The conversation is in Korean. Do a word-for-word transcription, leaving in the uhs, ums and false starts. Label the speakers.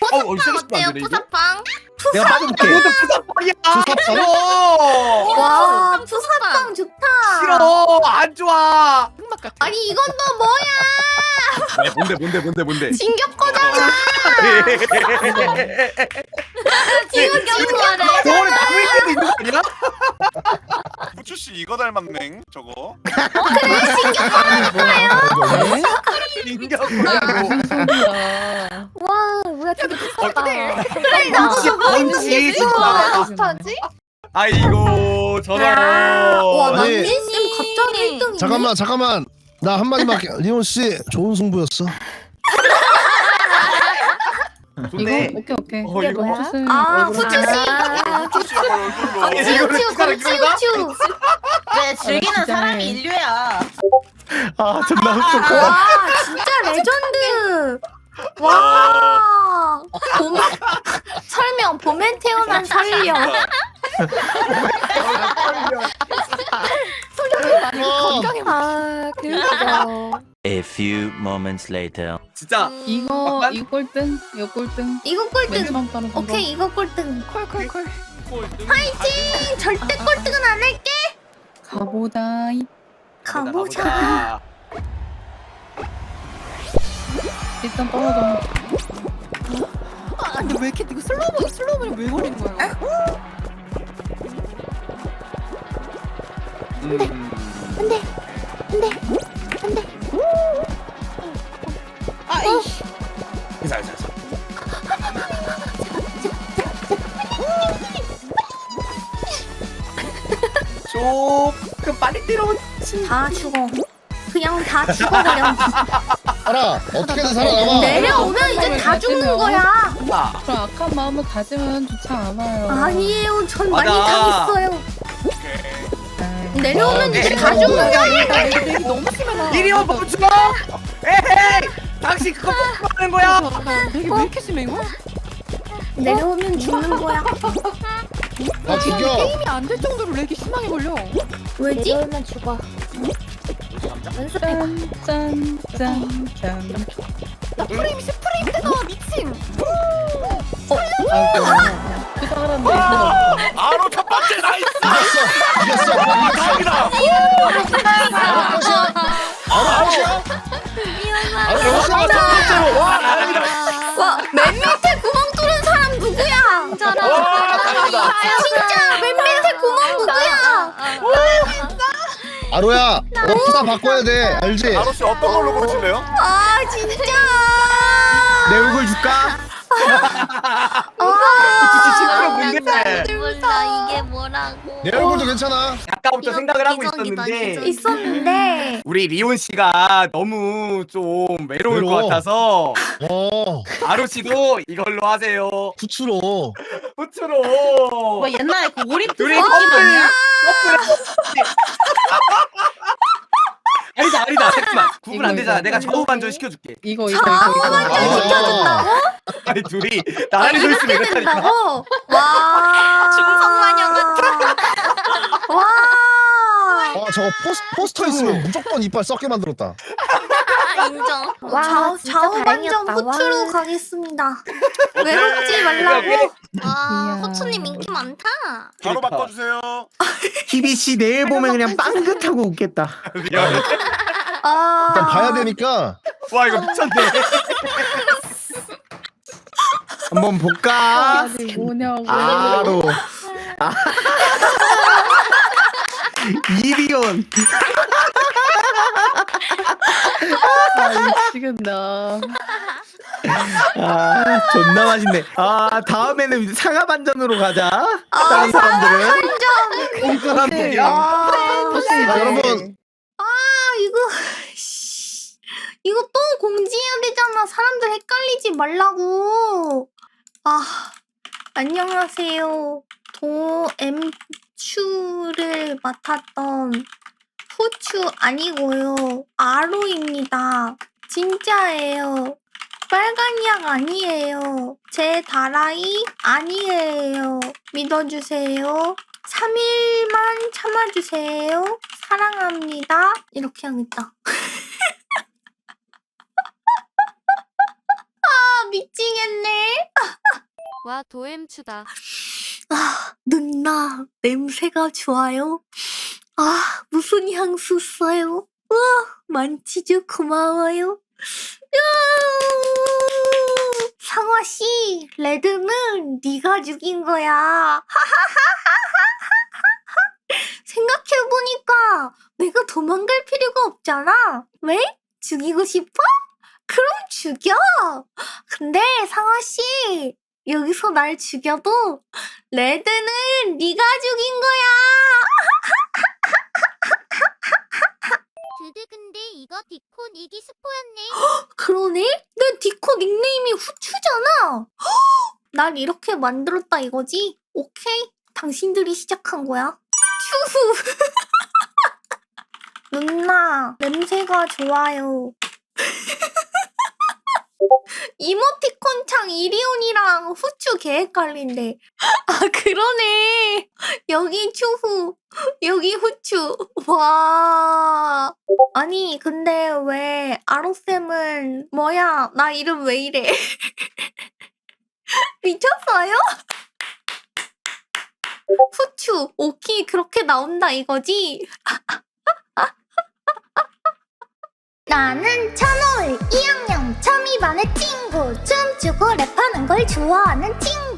Speaker 1: 푸사팡
Speaker 2: 어,
Speaker 1: 어때요? 푸사팡?
Speaker 2: 내가 빠져볼게.
Speaker 3: 모두 푸사빵이야.
Speaker 2: 푸사빵?
Speaker 4: 와
Speaker 1: 푸사팡,
Speaker 4: 푸사빵 좋다.
Speaker 3: 싫어. 안 좋아.
Speaker 5: 흑막 같아.
Speaker 4: 아니 이건 또 뭐야?
Speaker 3: 야, 뭔데 뭔데 뭔데 뭔데.
Speaker 4: 진격 거잖아.
Speaker 1: 지금 겨울에
Speaker 3: 저번에 나무 위에도 있는 거 아니야?
Speaker 6: 후추 씨 이거 닮았네 저거.
Speaker 3: 인격
Speaker 5: 소리야.
Speaker 4: 와 뭐야 되게 비싸다.
Speaker 1: 그래
Speaker 3: 나도 저거 뭔지 진짜.
Speaker 4: 비슷하지?
Speaker 3: 아이고 저런.
Speaker 4: 와
Speaker 2: 아니.
Speaker 4: 남진 쌤 갑자기 일 등이네.
Speaker 7: 잠깐만 잠깐만 나 한마디만 할게. 리온 씨 좋은 승부였어.
Speaker 3: 좋네.
Speaker 5: 이거 오케이 오케이.
Speaker 3: 어, 이거
Speaker 4: 뭐야?
Speaker 5: 후추 씨
Speaker 4: 아
Speaker 5: 얼굴
Speaker 4: 후추 씨.
Speaker 6: 후추 씨 약간 얼굴로.
Speaker 3: 아니,
Speaker 4: 치우
Speaker 3: 이거를
Speaker 4: 치우
Speaker 3: 숟가락
Speaker 4: 치우
Speaker 3: 이걸로
Speaker 4: 치우.
Speaker 1: 왜 즐기는
Speaker 5: 진짜.
Speaker 1: 사람이 인류야.
Speaker 3: 아 존나 흡족해.
Speaker 4: 와 진짜 레전드. 와 봄, 설명 봄에 태어난 설령.
Speaker 7: 어.
Speaker 4: 아 그렇죠.
Speaker 8: A few moments later.
Speaker 3: 진짜
Speaker 5: 이거
Speaker 3: 약간?
Speaker 5: 이거 꼴등 이거 꼴등.
Speaker 4: 이거 꼴등.
Speaker 5: 맨처럼 따는 거.
Speaker 4: 오케이 이거 꼴등.
Speaker 5: 콜콜콜.
Speaker 4: 파이팅! 절대 꼴등은 안 할게.
Speaker 5: 가보다.
Speaker 4: 가보자.
Speaker 3: 가보자.
Speaker 5: 일단 떨어져.
Speaker 9: 아 근데 왜 이렇게 이거 슬로우 슬로우를 왜 걸리는 거야?
Speaker 3: 음.
Speaker 4: 안돼 안돼 안돼.
Speaker 9: 아이씨.
Speaker 3: 자, 자, 자. 조금 빨리 때려면
Speaker 4: 다 죽어. 그냥 다 죽어버려.
Speaker 7: 알아 어떻게든 살아남아.
Speaker 4: 내려오면 이제 다 죽는 거야.
Speaker 3: 아,
Speaker 5: 그럼 악한 마음을 가지면 좋지 않아요.
Speaker 4: 아니에요. 전 많이
Speaker 3: 맞아.
Speaker 4: 당했어요.
Speaker 5: 에이.
Speaker 4: 내려오면 이제
Speaker 3: 에이,
Speaker 4: 다 죽는 거야.
Speaker 9: 내기 너무 심해라.
Speaker 3: 이리 와 멈춰! 에헤이! 당신 그거 뭐 하는 거야?
Speaker 9: 내기 왜 이렇게 심해 이거?
Speaker 4: 내려오면 죽는 거야.
Speaker 7: 아 죽여.
Speaker 9: 게임이 안 될 정도로 렉이 심하게 걸려.
Speaker 4: 왜지? 내려오면 죽어.
Speaker 5: 짠짠짠짠.
Speaker 9: 나 프레임 십 프레임 되나 미침.
Speaker 5: 아이고. 그 사람 내
Speaker 6: 바로 첫 번째 나이스.
Speaker 7: 이겼어 이겼어.
Speaker 6: 다행이다.
Speaker 7: 바로 끝이야. 바로 끝이야. 바로 끝이야.
Speaker 3: 와, 다행이다.
Speaker 4: 와, 맨 밑에 구멍 뚫은 사람 누구야?
Speaker 6: 와, 다행이다.
Speaker 4: 진짜 맨 밑에 구멍 누구야?
Speaker 7: 아로야 너 푸사 바꿔야 돼 알지?
Speaker 6: 바로 씨 어떤 걸로 고르실래요?
Speaker 4: 아, 진짜.
Speaker 3: 내 얼굴 줄까?
Speaker 4: 아,
Speaker 3: 진짜 시끄러 뭔데?
Speaker 1: 몰라 이게 뭐라고.
Speaker 7: 내 얼굴도 괜찮아.
Speaker 3: 아까부터 생각을 하고
Speaker 1: 기적이다,
Speaker 3: 있었는데
Speaker 1: 기적.
Speaker 4: 있었는데.
Speaker 3: 우리 리온 씨가 너무 좀 외로울
Speaker 7: 외로워.
Speaker 3: 것 같아서
Speaker 7: 어
Speaker 3: 아로 씨도 이걸로 하세요.
Speaker 7: 후추로.
Speaker 3: 후추로.
Speaker 1: 뭐 옛날에 그 오리프
Speaker 3: 둘이
Speaker 1: 느낌
Speaker 3: 커플.
Speaker 1: 아니야?
Speaker 3: 아니다 아니다 잠깐만 구분 안
Speaker 5: 이거,
Speaker 3: 되잖아.
Speaker 5: 이거.
Speaker 3: 내가 좌우 반전 시켜줄게.
Speaker 5: 이거 이거 이거 이거.
Speaker 7: 아.
Speaker 3: 아니 둘이 나란히 서 있으면 이렇다니까.
Speaker 4: 된다고? 와.
Speaker 1: 중성마녀 같아.
Speaker 4: 와.
Speaker 7: 아 저거 포스, 포스터 있으면 무조건 이빨 썩게 만들었다.
Speaker 1: 인정.
Speaker 4: 와, 좌우, 좌우 반전 후추로 가겠습니다. 외롭지 말라고.
Speaker 1: 와
Speaker 5: 이야.
Speaker 1: 호추님 인기 많다.
Speaker 6: 바로
Speaker 3: 그러니까.
Speaker 6: 바꿔주세요.
Speaker 2: 희비 씨 내일 보면 그냥 빵긋하고 웃겠다.
Speaker 3: 미안해.
Speaker 4: 아.
Speaker 7: 일단 봐야 되니까.
Speaker 3: 와 이거 미쳤네.
Speaker 2: 한번 볼까?
Speaker 5: 아니 뭐냐고.
Speaker 2: 아로. 아. 이리온.
Speaker 5: 아 미치겠다.
Speaker 2: 아 존나 맛있네. 아 다음에는 상하 반전으로 가자. 다른 사람들은.
Speaker 3: 이 사람들이야.
Speaker 4: 아,
Speaker 7: 자, 여러분
Speaker 4: 아, 이거. 씨. 이거 또 공지해야 되잖아. 사람들 헷갈리지 말라고. 아, 안녕하세요. 도엠추를 맡았던 후추 아니고요. 아로입니다. 진짜예요. 빨간 약 아니에요. 제 다라이 아니에요. 믿어주세요. 삼 일만 참아주세요. 사랑합니다. 이렇게 하겠다. 아, 미치겠네.
Speaker 1: 와 도엠추다.
Speaker 4: 아, 누나 냄새가 좋아요. 아, 무슨 향수 써요? 와, 만치즈 고마워요. 상화 씨, 레드는 네가 죽인 거야. 생각해보니까 내가 도망갈 필요가 없잖아. 왜? 죽이고 싶어? 그럼 죽여. 근데 상화 씨, 여기서 날 죽여도 레드는 네가 죽인 거야.
Speaker 1: 드드 근데 이거 디콘 이기 스포였네.
Speaker 4: 그러네? 내 디코 닉네임이 후추잖아. 날 이렇게 만들었다 이거지? 오케이, 당신들이 시작한 거야. 추후. 누나, 냄새가 좋아요. 이모티콘 창 이리온이랑 후추 개 헷갈린데. 아, 그러네. 여기 추후, 여기 후추. 와. 아니, 근데 왜 아로쌤은 뭐야? 나 이름 왜 이래? 미쳤어요? 후추, 오키 그렇게 나온다 이거지? 나는 천호일 이 학년 처음이반의 친구, 춤추고 랩하는 걸 좋아하는 친구.